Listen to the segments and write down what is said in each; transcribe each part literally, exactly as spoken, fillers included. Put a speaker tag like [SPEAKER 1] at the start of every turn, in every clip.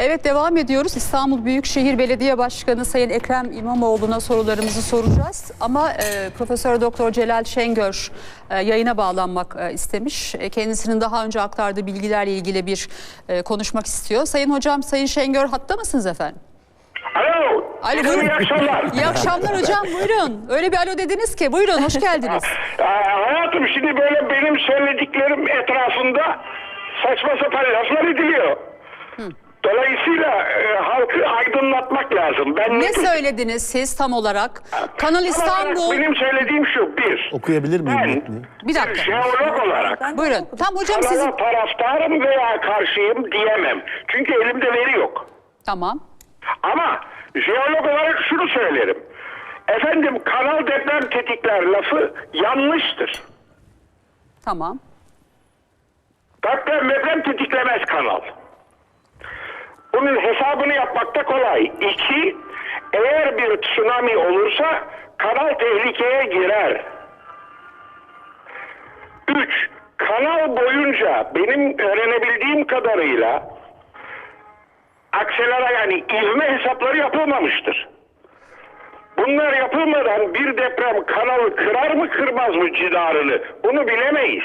[SPEAKER 1] Evet, devam ediyoruz. İstanbul Büyükşehir Belediye Başkanı Sayın Ekrem İmamoğlu'na sorularımızı soracağız. Ama e, Profesör Doktor Celal Şengör e, yayına bağlanmak e, istemiş. E, kendisinin daha önce aktardığı bilgilerle ilgili bir e, konuşmak istiyor. Sayın Hocam, Sayın Şengör hatta mısınız efendim?
[SPEAKER 2] Alo.
[SPEAKER 1] Alo, buyurun.
[SPEAKER 2] İyi akşamlar.
[SPEAKER 1] İyi akşamlar hocam, buyurun. Öyle bir alo dediniz ki, buyurun, hoş geldiniz.
[SPEAKER 2] Aa, hayatım, şimdi böyle benim söylediklerim etrafında saçma sapan laflar ediliyor. Hı. Dolayısıyla e, halkı aydınlatmak lazım. Ben
[SPEAKER 1] ne
[SPEAKER 2] ne
[SPEAKER 1] söylediniz siz tam olarak? Kanal İstanbul...
[SPEAKER 2] Benim söylediğim şu: bir.
[SPEAKER 3] Okuyabilir miyim?
[SPEAKER 2] Ben
[SPEAKER 1] bir dakika.
[SPEAKER 2] jeolog olarak
[SPEAKER 1] buyurun. Tam hocam sizin...
[SPEAKER 2] taraftarım veya karşıyım diyemem. Çünkü elimde veri yok.
[SPEAKER 1] Tamam.
[SPEAKER 2] Ama jeolog olarak şunu söylerim. Efendim, kanal deprem tetikler lafı yanlıştır.
[SPEAKER 1] Tamam.
[SPEAKER 2] Deprem deprem tetiklemez kanal. Bunun hesabını yapmakta kolay. İki, eğer bir tsunami olursa kanal tehlikeye girer. Üç, kanal boyunca benim öğrenebildiğim kadarıyla akselera, yani ivme hesapları yapılmamıştır. Bunlar yapılmadan bir deprem kanalı kırar mı kırmaz mı cidarını, bunu bilemeyiz.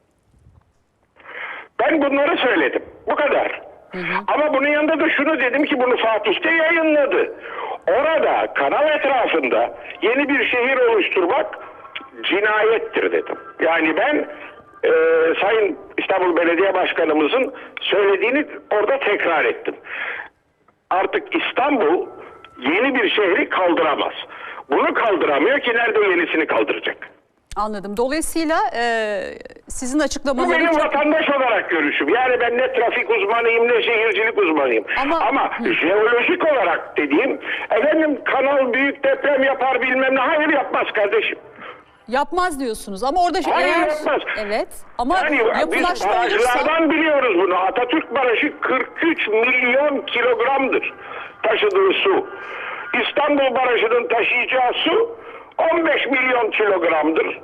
[SPEAKER 2] Ben bunları söyledim. Bu kadar. Hı hı. Ama bunun yanında da şunu dedim ki bunu Fatih'te yayınladı. Orada kanal etrafında yeni bir şehir oluşturmak cinayettir dedim. Yani ben e, Sayın İstanbul Belediye Başkanımızın söylediğini orada tekrar ettim. Artık İstanbul yeni bir şehri kaldıramaz. Bunu kaldıramıyor ki nerede yenisini kaldıracak?
[SPEAKER 1] Anladım. Dolayısıyla e, sizin
[SPEAKER 2] Bu
[SPEAKER 1] açıklamalarınız...
[SPEAKER 2] benim vatandaş olarak görüşüm. Yani ben ne trafik uzmanıyım ne şehircilik uzmanıyım. Ama, Ama jeolojik olarak dediğim, efendim kanal büyük deprem yapar bilmem ne. Hayır, yapmaz kardeşim.
[SPEAKER 1] Yapmaz diyorsunuz ama orada...
[SPEAKER 2] Hayır,
[SPEAKER 1] eğer...
[SPEAKER 2] yapmaz.
[SPEAKER 1] Evet ama
[SPEAKER 2] yani
[SPEAKER 1] yapılaşma
[SPEAKER 2] biz barajlardan
[SPEAKER 1] olursa...
[SPEAKER 2] biliyoruz bunu. Atatürk Barajı kırk üç milyon kilogramdır taşıdığı su. İstanbul Barajı'nın taşıyacağı su on beş milyon kilogramdır.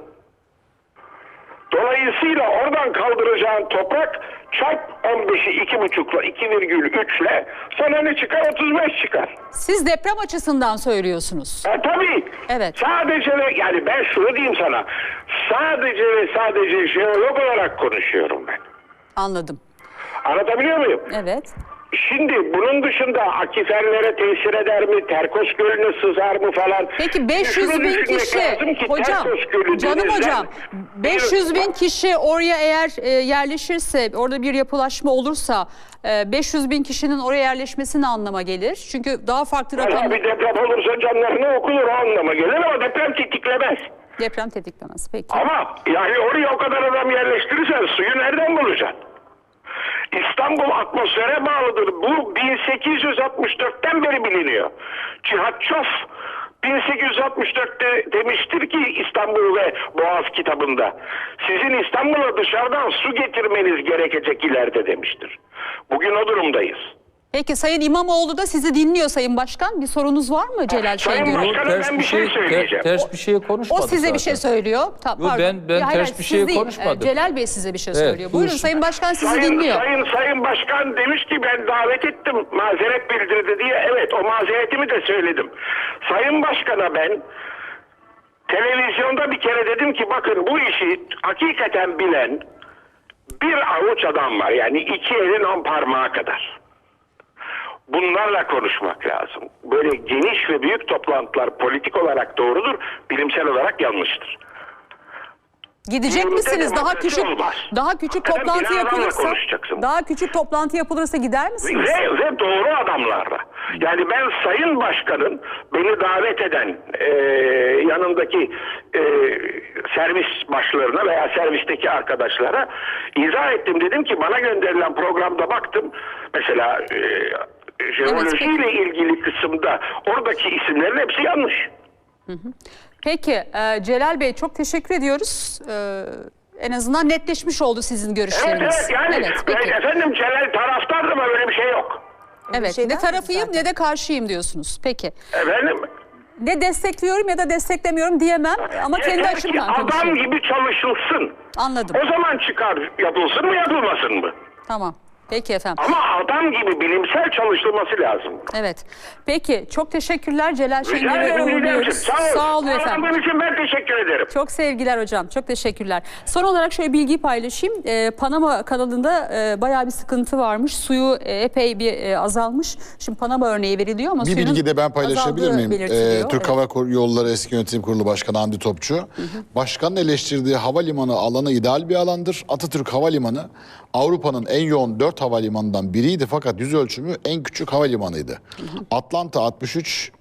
[SPEAKER 2] Dolayısıyla oradan kaldıracağın toprak çarp on beşi iki buçukla iki virgül üçle sana ne çıkar? otuz beş çıkar.
[SPEAKER 1] Siz deprem açısından söylüyorsunuz.
[SPEAKER 2] E, tabii.
[SPEAKER 1] Evet.
[SPEAKER 2] Sadece ve yani ben şunu diyeyim sana. Sadece ve sadece jeolog olarak konuşuyorum ben.
[SPEAKER 1] Anladım.
[SPEAKER 2] Anlatabiliyor muyum?
[SPEAKER 1] Evet.
[SPEAKER 2] Şimdi bunun dışında akiferlere tesir eder mi? Terkos Gölü'ne sızar mı falan?
[SPEAKER 1] Peki beş yüz bin kişi, hocam, canım hocam, beş yüz bin kişi oraya eğer e, yerleşirse, orada bir yapılaşma olursa e, beş yüz bin kişinin oraya yerleşmesi ne anlama gelir? Çünkü daha farklı rakamlar...
[SPEAKER 2] Bir deprem olursa canlarını okunur, o anlama gelir ama deprem tetiklemez.
[SPEAKER 1] Deprem tetiklemez, peki.
[SPEAKER 2] Ama yani oraya o kadar adam yerleştirirsen suyu nereden bulacaksın? İstanbul atmosfere bağlıdır. Bu bin sekiz yüz altmış dörtten beri biliniyor. Cihat Çof bin sekiz yüz altmış dörtte demiştir ki İstanbul ve Boğaz kitabında, sizin İstanbul'a dışarıdan su getirmeniz gerekecek ileride demiştir. Bugün o durumdayız.
[SPEAKER 1] Peki Sayın İmamoğlu da sizi dinliyor Sayın Başkan. Bir sorunuz var mı Celal
[SPEAKER 2] Sayın
[SPEAKER 1] Şengör?
[SPEAKER 2] Başkanım, ben bir şey söyleyeceğim.
[SPEAKER 3] Ters bir şey konuşmadı
[SPEAKER 1] O size
[SPEAKER 3] zaten.
[SPEAKER 1] bir şey söylüyor. Ta,
[SPEAKER 3] Yo, ben ben
[SPEAKER 1] hayır,
[SPEAKER 3] ters bir şey
[SPEAKER 1] değil.
[SPEAKER 3] konuşmadım.
[SPEAKER 1] Celal Bey size bir şey
[SPEAKER 3] Evet,
[SPEAKER 1] söylüyor. Buyurun
[SPEAKER 3] buyursun.
[SPEAKER 1] Sayın Başkan sizi
[SPEAKER 2] Sayın,
[SPEAKER 1] dinliyor.
[SPEAKER 2] Sayın, Sayın Başkan demiş ki ben davet ettim, mazeret bildirdi diye. Evet, o mazeretimi de söyledim. Sayın Başkan'a ben televizyonda bir kere dedim ki bakın, bu işi hakikaten bilen bir avuç adam var. Yani iki elin on parmağı kadar. Bunlarla konuşmak lazım. Böyle geniş ve büyük toplantılar politik olarak doğrudur, bilimsel olarak yanlıştır.
[SPEAKER 1] Gidecek
[SPEAKER 2] Yürüte
[SPEAKER 1] misiniz? Daha
[SPEAKER 2] demokrasi
[SPEAKER 1] küçük
[SPEAKER 2] olmaz.
[SPEAKER 1] daha küçük
[SPEAKER 2] Hakikaten
[SPEAKER 1] toplantı
[SPEAKER 2] bir adamla
[SPEAKER 1] yapılırsa
[SPEAKER 2] konuşacaksın.
[SPEAKER 1] daha küçük toplantı yapılırsa gider misiniz?
[SPEAKER 2] Ve, ve doğru adamlarla. Yani ben Sayın Başkan'ın beni davet eden e, yanındaki e, servis başlarına veya servisteki arkadaşlara izah ettim. Dedim ki bana gönderilen programda baktım. Mesela e, jeolojiyle
[SPEAKER 1] evet,
[SPEAKER 2] ilgili kısımda oradaki isimlerin hepsi yanlış.
[SPEAKER 1] Hı hı. Peki e, Celal Bey çok teşekkür ediyoruz. E, en azından netleşmiş oldu sizin görüşleriniz.
[SPEAKER 2] Evet, evet, yani
[SPEAKER 1] evet, peki.
[SPEAKER 2] efendim Celal taraftardı ama öyle bir şey yok.
[SPEAKER 1] Evet, ne tarafıyım ne de karşıyım diyorsunuz. Peki.
[SPEAKER 2] Efendim?
[SPEAKER 1] Ne destekliyorum ya da desteklemiyorum diyemem ama kendi
[SPEAKER 2] Yeter ki
[SPEAKER 1] açımdan
[SPEAKER 2] adam
[SPEAKER 1] konuşuyorum.
[SPEAKER 2] gibi çalışılsın.
[SPEAKER 1] Anladım.
[SPEAKER 2] O zaman çıkar, yapılsın mı yapılmasın mı?
[SPEAKER 1] Tamam. Peki efendim.
[SPEAKER 2] Ama adam gibi bilimsel çalışılması lazım.
[SPEAKER 1] Evet. Peki çok teşekkürler Celal
[SPEAKER 2] Rica
[SPEAKER 1] Şengör'ü
[SPEAKER 2] ederim, rica ederim.
[SPEAKER 1] uğurluyoruz.
[SPEAKER 2] Sağ ol.
[SPEAKER 1] Sağ olun efendim.
[SPEAKER 2] Anladığın için ben teşekkür ederim.
[SPEAKER 1] Çok sevgiler hocam. Çok teşekkürler. Son olarak şöyle bilgiyi paylaşayım. Ee, Panama kanalında e, bayağı bir sıkıntı varmış. Suyu e, epey bir e, azalmış. Şimdi Panama örneği veriliyor ama
[SPEAKER 3] Bir
[SPEAKER 1] suyun
[SPEAKER 3] bilgi de ben paylaşabilir
[SPEAKER 1] azaldığı
[SPEAKER 3] miyim?
[SPEAKER 1] belirtiliyor.
[SPEAKER 3] Ee, Türk
[SPEAKER 1] Evet.
[SPEAKER 3] Hava Yolları Eski Yönetim Kurulu Başkanı Hamdi Topçu. Hı hı. Başkanın eleştirdiği havalimanı alanı ideal bir alandır. Atatürk Havalimanı Avrupa'nın en yoğun dört havalimanından biriydi fakat yüz ölçümü en küçük havalimanıydı. Hı hı. Atlanta altmış üç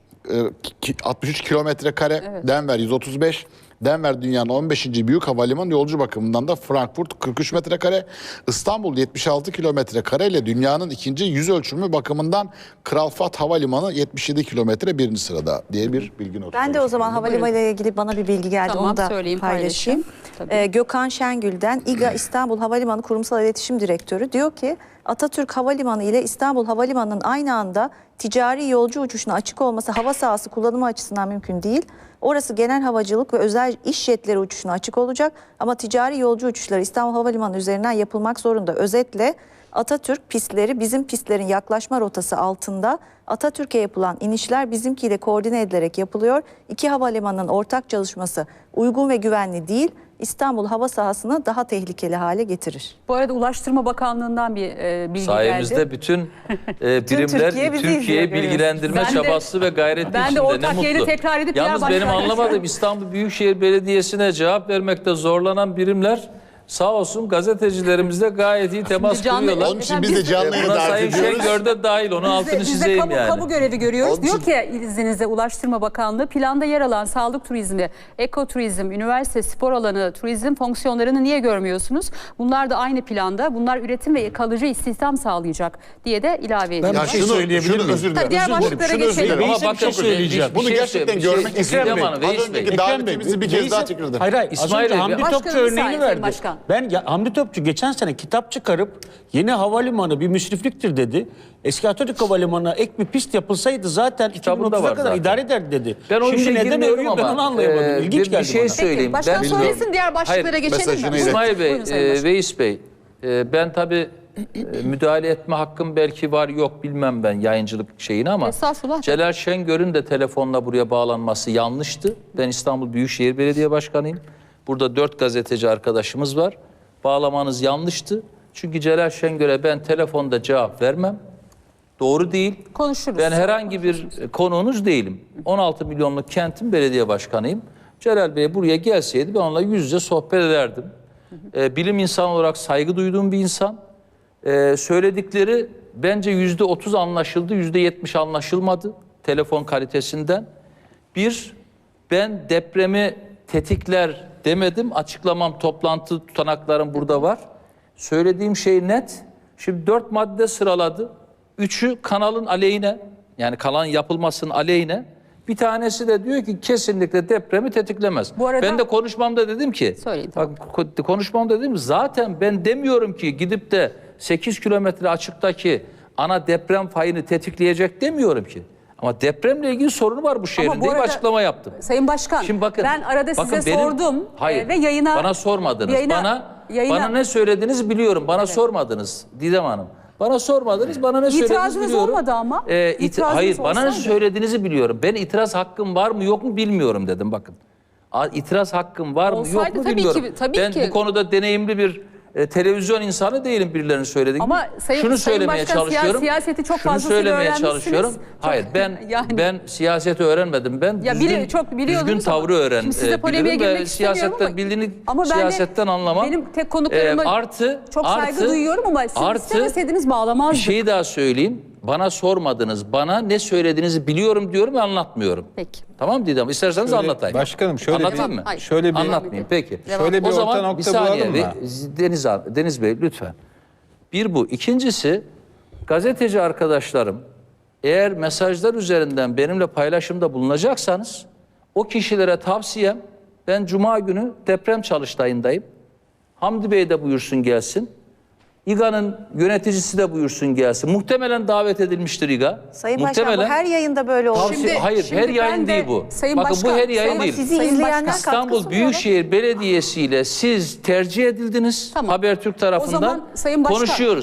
[SPEAKER 3] altmış üç kilometre kare, evet. Denver yüz otuz beş. Denver dünyanın on beşinci büyük havalimanı, yolcu bakımından da Frankfurt kırk üç metrekare, İstanbul yetmiş altı kilometre kare ile dünyanın ikinci yüz ölçümü bakımından Kral Fahd Havalimanı yetmiş yedi kilometre birinci sırada diye bir bilgi notu.
[SPEAKER 4] Ben de o zaman havalimanı ile ilgili bana bir bilgi geldi,
[SPEAKER 1] Tamam,
[SPEAKER 4] onu da
[SPEAKER 1] söyleyeyim,
[SPEAKER 4] paylaşayım. Ee, Gökhan Şengül'den İGA İstanbul Havalimanı Kurumsal İletişim Direktörü diyor ki Atatürk Havalimanı ile İstanbul Havalimanı'nın aynı anda ticari yolcu uçuşuna açık olması hava sahası kullanımı açısından mümkün değil. Orası genel havacılık ve özel iş jetleri uçuşuna açık olacak ama ticari yolcu uçuşları İstanbul Havalimanı üzerinden yapılmak zorunda. Özetle Atatürk pistleri bizim pistlerin yaklaşma rotası altında. Atatürk'e yapılan inişler bizimkiyle koordine edilerek yapılıyor. İki havalimanının ortak çalışması uygun ve güvenli değil, İstanbul hava sahasını daha tehlikeli hale getirir.
[SPEAKER 1] Bu arada Ulaştırma Bakanlığı'ndan bir e, bilgi
[SPEAKER 5] Sayemizde
[SPEAKER 1] geldi.
[SPEAKER 5] bütün e, birimler
[SPEAKER 4] Türkiye bizi
[SPEAKER 5] Türkiye'yi
[SPEAKER 4] izliyor,
[SPEAKER 5] bilgilendirme
[SPEAKER 1] Ben de-
[SPEAKER 5] çabası ve gayreti
[SPEAKER 1] ben de
[SPEAKER 5] içinde.
[SPEAKER 1] ortak
[SPEAKER 5] Ne
[SPEAKER 1] yayını
[SPEAKER 5] mutlu.
[SPEAKER 1] tekrar edip diğer
[SPEAKER 5] Yalnız benim
[SPEAKER 1] başkanlar-
[SPEAKER 5] anlamadığım İstanbul Büyükşehir Belediyesi'ne cevap vermekte zorlanan birimler sağ olsun gazetecilerimizle gayet iyi temas
[SPEAKER 1] canlı-
[SPEAKER 5] kuruyorlar.
[SPEAKER 3] Onun için biz de canlı yayına
[SPEAKER 5] Buna
[SPEAKER 3] davet
[SPEAKER 5] Sayın
[SPEAKER 3] ediyoruz.
[SPEAKER 5] Şengör de dahil, onun altını
[SPEAKER 1] Biz de, biz de
[SPEAKER 5] çizeyim
[SPEAKER 1] kamu,
[SPEAKER 5] yani.
[SPEAKER 1] kamu görevi görüyoruz.
[SPEAKER 3] Onun
[SPEAKER 1] Diyor
[SPEAKER 3] için-
[SPEAKER 1] ki izninizle Ulaştırma Bakanlığı planda yer alan sağlık turizmi, ekoturizm, üniversite, spor alanı, turizm fonksiyonlarını niye görmüyorsunuz? Bunlar da aynı planda. Bunlar üretim ve kalıcı istihdam sağlayacak diye de ilave ediyor.
[SPEAKER 6] Ben bir şey söyleyebilir
[SPEAKER 3] şunu
[SPEAKER 6] miyim?
[SPEAKER 3] özür
[SPEAKER 1] Tabii
[SPEAKER 3] dilerim.
[SPEAKER 1] diğer
[SPEAKER 3] Şunu
[SPEAKER 1] başlıklara
[SPEAKER 3] özür
[SPEAKER 1] geçelim.
[SPEAKER 3] dilerim.
[SPEAKER 5] Ama
[SPEAKER 6] Veysel bir
[SPEAKER 5] bakın
[SPEAKER 6] şey söyleyeceğim.
[SPEAKER 5] bir
[SPEAKER 3] Bunu
[SPEAKER 5] şey
[SPEAKER 3] gerçekten
[SPEAKER 5] söyle- bir
[SPEAKER 3] görmek
[SPEAKER 5] şey-
[SPEAKER 3] istiyorum.
[SPEAKER 5] Ekrem Hanım, Veys
[SPEAKER 3] Az önceki
[SPEAKER 5] Bey.
[SPEAKER 3] davetimizi bir kez
[SPEAKER 6] Veysel-
[SPEAKER 3] daha tekrar edelim.
[SPEAKER 6] Hayır hayır.
[SPEAKER 5] İsmail
[SPEAKER 6] Az önce
[SPEAKER 5] Bey,
[SPEAKER 6] Hamdi
[SPEAKER 1] Başkanım,
[SPEAKER 6] Topçu
[SPEAKER 1] bir
[SPEAKER 6] örneğini
[SPEAKER 1] saniye,
[SPEAKER 6] verdi.
[SPEAKER 1] Başkan.
[SPEAKER 6] Ben ya, Hamdi Topçu geçen sene kitap çıkarıp yeni havalimanı bir müsrifliktir dedi. Eski Atatürk Havalimanı'na ek bir pist yapılsaydı zaten
[SPEAKER 5] Kitabında
[SPEAKER 6] iki bin otuza
[SPEAKER 5] var
[SPEAKER 6] kadar
[SPEAKER 5] zaten.
[SPEAKER 6] idare ederdi dedi.
[SPEAKER 5] Ben o
[SPEAKER 6] Şimdi
[SPEAKER 5] işe
[SPEAKER 6] neden
[SPEAKER 5] girmiyorum
[SPEAKER 6] örüyor ben
[SPEAKER 5] ama
[SPEAKER 6] onu anlayamadım.
[SPEAKER 5] e,
[SPEAKER 6] İlginç
[SPEAKER 5] bir,
[SPEAKER 6] geldi
[SPEAKER 5] bir şey
[SPEAKER 6] bana.
[SPEAKER 5] söyleyeyim.
[SPEAKER 1] Peki, başkan
[SPEAKER 5] Ben-
[SPEAKER 1] söylesin, diğer başlıklara
[SPEAKER 5] Hayır,
[SPEAKER 1] geçelim mi?
[SPEAKER 3] mesajını
[SPEAKER 1] Buyurun.
[SPEAKER 5] İsmail Bey,
[SPEAKER 1] Buyurun Sayın
[SPEAKER 5] e,
[SPEAKER 1] Başkan.
[SPEAKER 5] Veys Bey, e, ben tabii e, müdahale etme hakkım belki var yok bilmem ben yayıncılık şeyini ama
[SPEAKER 1] Estağfurullah.
[SPEAKER 5] Celal Şengör'ün de telefonla buraya bağlanması yanlıştı. Ben İstanbul Büyükşehir Belediye Başkanıyım. Burada dört gazeteci arkadaşımız var. Bağlamanız yanlıştı. Çünkü Celal Şengör'e ben telefonda cevap vermem. Doğru değil.
[SPEAKER 1] Konuşuruz.
[SPEAKER 5] Ben herhangi bir konuğunuz değilim. on altı milyonluk kentin belediye başkanıyım. Celal Bey buraya gelseydi ben onunla yüz yüze sohbet ederdim. Ee, bilim insanı olarak saygı duyduğum bir insan. Ee, söyledikleri bence yüzde otuz anlaşıldı, yüzde yetmiş anlaşılmadı telefon kalitesinden. Bir, ben depremi tetikler demedim. Açıklamam, toplantı tutanaklarım burada var. Söylediğim şey net. Şimdi dört madde sıraladı. Üçü kanalın aleyhine, yani kanalın yapılmasının aleyhine. Bir tanesi de diyor ki kesinlikle depremi tetiklemez.
[SPEAKER 1] Bu arada-
[SPEAKER 5] ben de konuşmamda dedim ki,
[SPEAKER 1] Söyleyin,
[SPEAKER 5] bak ko- konuşmamda dedim zaten ben demiyorum ki gidip de sekiz kilometre açıktaki ana deprem fayını tetikleyecek demiyorum ki. Ama depremle ilgili sorunu var bu şehrin
[SPEAKER 1] bu
[SPEAKER 5] diye bir
[SPEAKER 1] arada-
[SPEAKER 5] açıklama yaptım.
[SPEAKER 1] Sayın Başkan,
[SPEAKER 5] Şimdi bakın,
[SPEAKER 1] ben arada
[SPEAKER 5] bakın
[SPEAKER 1] size
[SPEAKER 5] benim-
[SPEAKER 1] sordum
[SPEAKER 5] Hayır,
[SPEAKER 1] e, ve yayına...
[SPEAKER 5] bana sormadınız.
[SPEAKER 1] yayına-
[SPEAKER 5] bana
[SPEAKER 1] yayına-
[SPEAKER 5] bana ne söylediğinizi biliyorum. Bana sormadınız Didem Hanım. Bana sormadınız. Bana ne söylediğinizi
[SPEAKER 1] İtirazınız
[SPEAKER 5] biliyorum.
[SPEAKER 1] olmadı ama.
[SPEAKER 5] Ee, iti-
[SPEAKER 1] İtirazınız
[SPEAKER 5] hayır, bana ne
[SPEAKER 1] olsaydı.
[SPEAKER 5] söylediğinizi biliyorum. Ben itiraz hakkım var mı yok mu bilmiyorum dedim bakın. A- İtiraz hakkım var mı yok
[SPEAKER 1] Olsaydı
[SPEAKER 5] mu
[SPEAKER 1] tabii
[SPEAKER 5] bilmiyorum.
[SPEAKER 1] ki, tabii
[SPEAKER 5] ben
[SPEAKER 1] ki.
[SPEAKER 5] bu konuda deneyimli bir e, televizyon insanı değilim birilerinin söylediği
[SPEAKER 1] Ama
[SPEAKER 5] gibi.
[SPEAKER 1] Sayın-
[SPEAKER 5] Şunu
[SPEAKER 1] Sayın
[SPEAKER 5] söylemeye
[SPEAKER 1] Başkan, siya-
[SPEAKER 5] çalışıyorum.
[SPEAKER 1] siyaseti çok
[SPEAKER 5] Şunu
[SPEAKER 1] fazlasıyla
[SPEAKER 5] söylemeye
[SPEAKER 1] öğrenmişsiniz.
[SPEAKER 5] çalışıyorum.
[SPEAKER 1] Çok-
[SPEAKER 5] Hayır ben
[SPEAKER 1] yani-
[SPEAKER 5] ben siyaseti öğrenmedim. Ben
[SPEAKER 1] Ya
[SPEAKER 5] düzgün,
[SPEAKER 1] bili- çok biliyordunuz
[SPEAKER 5] düzgün
[SPEAKER 1] ama
[SPEAKER 5] tavrı öğren
[SPEAKER 1] şimdi size
[SPEAKER 5] e,
[SPEAKER 1] polemiğe
[SPEAKER 5] bilirim
[SPEAKER 1] girmek
[SPEAKER 5] ve
[SPEAKER 1] istemiyorum
[SPEAKER 5] siyasetten
[SPEAKER 1] ama-
[SPEAKER 5] bildiğini
[SPEAKER 1] ama ben de-
[SPEAKER 5] siyasetten anlamam.
[SPEAKER 1] benim tek konuklarıma
[SPEAKER 5] E, artı
[SPEAKER 1] çok saygı
[SPEAKER 5] artı,
[SPEAKER 1] duyuyorum ama siz
[SPEAKER 5] artı,
[SPEAKER 1] istemeseydiniz bağlamazdık.
[SPEAKER 5] Bir şeyi daha söyleyeyim. Bana sormadınız. Bana ne söylediğinizi biliyorum diyorum ve anlatmıyorum.
[SPEAKER 1] Peki.
[SPEAKER 5] Tamam Didem? İsterseniz
[SPEAKER 7] Şöyle,
[SPEAKER 5] anlatayım.
[SPEAKER 7] başkanım, şöyle
[SPEAKER 5] Anlatayım
[SPEAKER 1] bir-
[SPEAKER 5] mı?
[SPEAKER 1] Hayır.
[SPEAKER 7] Şöyle bir-
[SPEAKER 5] Anlatmayayım. Peki.
[SPEAKER 7] Şöyle bir
[SPEAKER 5] o zaman
[SPEAKER 7] orta nokta
[SPEAKER 5] bir saniye.
[SPEAKER 7] bulalım mı?
[SPEAKER 5] Ve- Deniz, abi- Deniz Bey lütfen. Bir bu. İkincisi gazeteci arkadaşlarım eğer mesajlar üzerinden benimle paylaşımda bulunacaksanız o kişilere tavsiyem ben Cuma günü deprem çalıştayındayım. Hamdi Bey de buyursun gelsin. İGA'nın yöneticisi de buyursun gelsin. Muhtemelen davet edilmiştir İGA.
[SPEAKER 4] Sayın Başkan, bu
[SPEAKER 5] Muhtemelen.
[SPEAKER 4] her yayında böyle oldu.
[SPEAKER 5] Tavsiye-
[SPEAKER 1] Şimdi-
[SPEAKER 5] hayır
[SPEAKER 1] şimdi
[SPEAKER 5] her
[SPEAKER 1] ben
[SPEAKER 5] yayın
[SPEAKER 1] de
[SPEAKER 5] değil bu.
[SPEAKER 1] Sayın
[SPEAKER 5] Bakın
[SPEAKER 1] Başkan,
[SPEAKER 5] bu her yayın
[SPEAKER 1] Sayın-
[SPEAKER 5] değil.
[SPEAKER 4] Sizi
[SPEAKER 1] Sayın
[SPEAKER 4] izleyenler
[SPEAKER 1] Başkan,
[SPEAKER 5] İstanbul
[SPEAKER 4] katkı sunuyor.
[SPEAKER 5] Büyükşehir Belediyesi ile siz tercih edildiniz.
[SPEAKER 1] Tamam.
[SPEAKER 5] Habertürk tarafından
[SPEAKER 1] O zaman Sayın Başkan-
[SPEAKER 5] konuşuyoruz.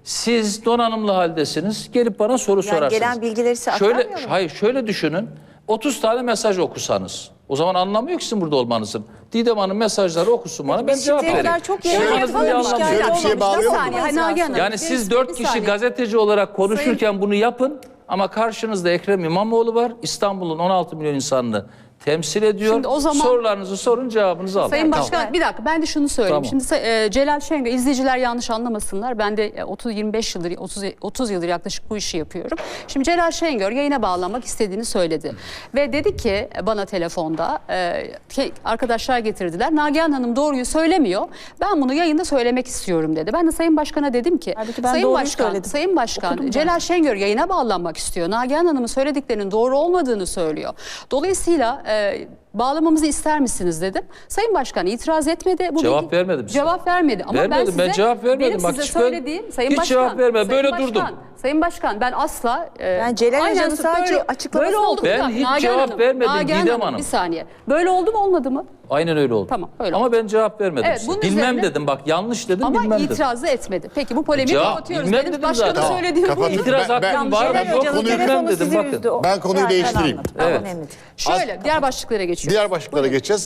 [SPEAKER 5] Siz donanımlı haldesiniz. Gelip bana soru
[SPEAKER 4] Yani
[SPEAKER 5] sorarsınız.
[SPEAKER 4] gelen bilgileri size
[SPEAKER 5] şöyle,
[SPEAKER 4] aktarmıyor mu?
[SPEAKER 5] hayır şöyle düşünün. otuz tane mesaj okusanız. O zaman anlamıyor ki sizin burada olmanızın. Didem Hanım mesajları okusun bana, ben
[SPEAKER 4] Biz
[SPEAKER 5] cevap
[SPEAKER 4] şimdiye
[SPEAKER 5] vereyim.
[SPEAKER 4] kadar çok
[SPEAKER 5] Olmanızın
[SPEAKER 4] yayın
[SPEAKER 5] bir
[SPEAKER 4] yapmadık,
[SPEAKER 5] anlamı yok.
[SPEAKER 4] şikayet
[SPEAKER 3] Şöyle bir şeye
[SPEAKER 4] olmamış.
[SPEAKER 3] bağlıyor
[SPEAKER 4] Bir
[SPEAKER 3] mu?
[SPEAKER 4] saniye,
[SPEAKER 1] Hayır, Nagihan Hanım.
[SPEAKER 5] Yani
[SPEAKER 1] Bir-
[SPEAKER 5] siz
[SPEAKER 1] bir
[SPEAKER 5] dört kişi
[SPEAKER 1] saniye.
[SPEAKER 5] gazeteci olarak konuşurken bunu yapın ama karşınızda Ekrem İmamoğlu var. İstanbul'un on altı milyon insanını temsil ediyor.
[SPEAKER 1] Şimdi o zaman-
[SPEAKER 5] Sorularınızı sorun, cevabınızı alın.
[SPEAKER 1] Sayın
[SPEAKER 5] Tamam.
[SPEAKER 1] Başkan bir dakika ben de şunu söyleyeyim.
[SPEAKER 5] Tamam.
[SPEAKER 1] Şimdi e, Celal Şengör, izleyiciler yanlış anlamasınlar. Ben de e, otuz yirmi beş yıldır otuz otuz yıldır yaklaşık bu işi yapıyorum. Şimdi Celal Şengör yayına bağlanmak istediğini söyledi. Ve dedi ki e, bana telefonda e, ki arkadaşlar getirdiler. Nagihan Hanım doğruyu söylemiyor. Ben bunu yayında söylemek istiyorum dedi. Ben de Sayın Başkan'a dedim ki
[SPEAKER 4] Halbuki ben
[SPEAKER 1] Sayın
[SPEAKER 4] doğruyu
[SPEAKER 1] Başkan,
[SPEAKER 4] söyledim.
[SPEAKER 1] Sayın Başkan
[SPEAKER 4] Okudum ben.
[SPEAKER 1] Celal Şengör yayına bağlanmak istiyor. Nagihan Hanım'ın söylediklerinin doğru olmadığını söylüyor. Dolayısıyla e, bağlamamızı ister misiniz dedim. Sayın Başkan itiraz etmedi. Bu
[SPEAKER 5] Cevap
[SPEAKER 1] bilgi-
[SPEAKER 5] vermedim size.
[SPEAKER 1] Cevap vermedi. Ama
[SPEAKER 5] Vermedim,
[SPEAKER 1] ben, size,
[SPEAKER 5] ben cevap vermedim.
[SPEAKER 1] Benim
[SPEAKER 5] Bak
[SPEAKER 1] size
[SPEAKER 5] hiç ben-
[SPEAKER 1] söylediğim Sayın
[SPEAKER 5] hiç
[SPEAKER 1] Başkan.
[SPEAKER 5] cevap vermedim.
[SPEAKER 1] Sayın
[SPEAKER 5] Böyle
[SPEAKER 1] Başkan,
[SPEAKER 5] durdum.
[SPEAKER 1] Sayın Başkan ben asla... E,
[SPEAKER 4] Yani Celal
[SPEAKER 1] aynen
[SPEAKER 4] Hoca'nın sadece
[SPEAKER 1] böyle-
[SPEAKER 4] açıklamasını
[SPEAKER 1] böyle oldu mu?
[SPEAKER 5] Ben
[SPEAKER 1] Nagihan
[SPEAKER 5] hiç
[SPEAKER 1] Hanım,
[SPEAKER 5] cevap vermedim
[SPEAKER 1] Nagihan
[SPEAKER 5] Didem
[SPEAKER 1] Hanım,
[SPEAKER 5] Hanım.
[SPEAKER 1] Bir saniye. Böyle oldu mu olmadı mı?
[SPEAKER 5] Aynen öyle oldu.
[SPEAKER 1] Tamam, öyle
[SPEAKER 5] Ama
[SPEAKER 1] oldu.
[SPEAKER 5] ben cevap vermedim
[SPEAKER 1] Evet,
[SPEAKER 5] size.
[SPEAKER 1] bunun
[SPEAKER 5] Bilmem
[SPEAKER 1] üzerine-
[SPEAKER 5] dedim, bak yanlış dedim,
[SPEAKER 1] Ama
[SPEAKER 5] bilmem dedim.
[SPEAKER 1] itirazı etmedi. Peki bu polemiği
[SPEAKER 5] Cevap-
[SPEAKER 1] kapatıyoruz.
[SPEAKER 5] bilmem
[SPEAKER 1] Benim
[SPEAKER 5] dedim
[SPEAKER 1] başkanın
[SPEAKER 5] zaten.
[SPEAKER 1] söylediğim bu.
[SPEAKER 3] Kapatın.
[SPEAKER 5] İtiraz
[SPEAKER 3] Ben- ben-
[SPEAKER 5] hakkım var mı?
[SPEAKER 4] Celal
[SPEAKER 5] Yok,
[SPEAKER 4] Hoca'nın
[SPEAKER 5] bilmem
[SPEAKER 4] telefonu
[SPEAKER 5] dedim
[SPEAKER 4] sizi
[SPEAKER 5] bakın.
[SPEAKER 4] üzdü. O
[SPEAKER 3] Ben konuyu
[SPEAKER 4] zaten
[SPEAKER 3] değiştireyim.
[SPEAKER 4] anladım. Tamam,
[SPEAKER 5] Evet.
[SPEAKER 4] önemli değil.
[SPEAKER 1] Şöyle diğer başlıklara geçiyoruz.
[SPEAKER 3] Diğer başlıklara geçeceğiz.